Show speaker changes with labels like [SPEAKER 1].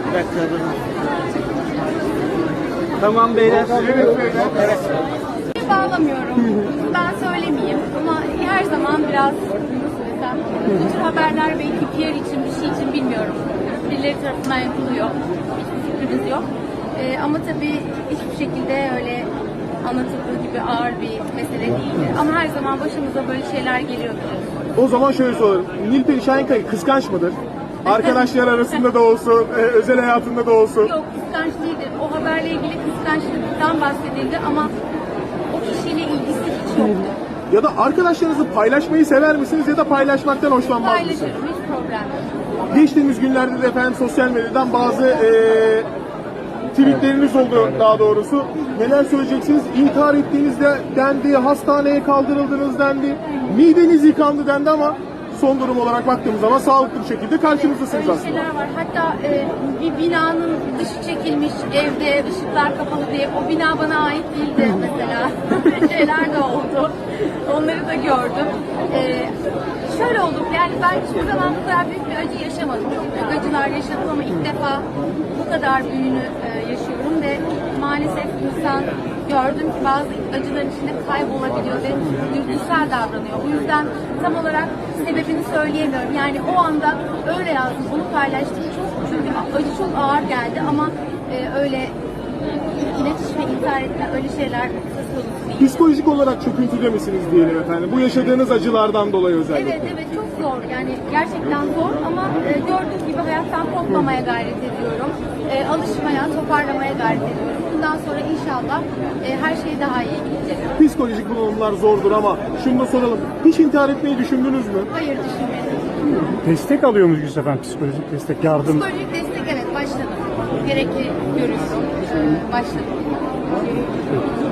[SPEAKER 1] Tamam beyler. Evet.
[SPEAKER 2] Bağlamıyorum. Ben söylemeyeyim ama her zaman biraz nasıl desem bu tür haberler belki PR için bir şey için bilmiyorum. Birileri tarafından yapılıyor. Hiçbir fikrimiz yok. Ama tabii hiçbir şekilde öyle anlatıldığı gibi ağır bir mesele değildi. Ama her zaman başımıza böyle şeyler geliyor biliyorsunuz.
[SPEAKER 3] O zaman şöyle soralım. Nilperi Şahinkaya kıskanç mıdır? Arkadaşlar arasında da olsun, özel hayatında da olsun.
[SPEAKER 2] Yok, kıskanç değildir. O haberle ilgili kıskançlıktan bahsedildi ama o kişiyle ilgisi hiç yoktu.
[SPEAKER 3] Ya da arkadaşlarınızı paylaşmayı sever misiniz ya da paylaşmaktan hoşlanmaz mısınız?
[SPEAKER 2] Paylaşırım, hiç problem yok.
[SPEAKER 3] Geçtiğimiz günlerde de efendim sosyal medyadan bazı tweetleriniz oldu daha doğrusu. Neler söyleyeceksiniz? İntihar ettiğiniz de dendi, hastaneye kaldırıldınız dendi, mideniz yıkandı dendi ama son durum olarak baktığımız zaman sağlıklı bir şekilde karşımızdasınız
[SPEAKER 2] Öyle
[SPEAKER 3] aslında.
[SPEAKER 2] şeyler var. Hatta bir binanın dışı çekilmiş, evde ışıklar kapalı diye o bina bana ait değildi mesela. Böyle şeyler de oldu. Onları da gördüm. Şöyle oldu, yani ben hiçbir zaman bu kadar büyük bir acı yaşamadım. Çok büyük acılar yaşadım ama ilk defa bu kadar büyüğünü yaşıyorum ve maalesef insan gördüm ki bazı acıların içinde kaybolabiliyor ve dürtüsel davranıyor. Bu yüzden tam olarak sebebini söyleyemiyorum. Yani o anda öyle yazdım, onu paylaştım. Çünkü acı çok ağır geldi ama öyle iletiş ve intihar etme öyle şeyler söz konusu değil.
[SPEAKER 3] Psikolojik olarak çöküntüde misiniz diyelim efendim? Bu yaşadığınız acılardan dolayı özellikle.
[SPEAKER 2] Evet evet çok zor yani gerçekten zor ama gördüğünüz gibi hayattan kopmamaya gayret ediyorum. Alışmaya, toparlamaya gayret ediyorum. Bundan sonra inşallah her şey daha iyi gidecek.
[SPEAKER 3] Psikolojik bunalımlar zordur ama şunu da soralım. Hiç intihar etmeyi düşündünüz mü?
[SPEAKER 2] Hayır düşünmedim.
[SPEAKER 4] Destek alıyor musunuz efendim? Psikolojik destek, yardım?
[SPEAKER 2] Psikolojik destek evet başladım. Gerekli görüyorum. Başladım.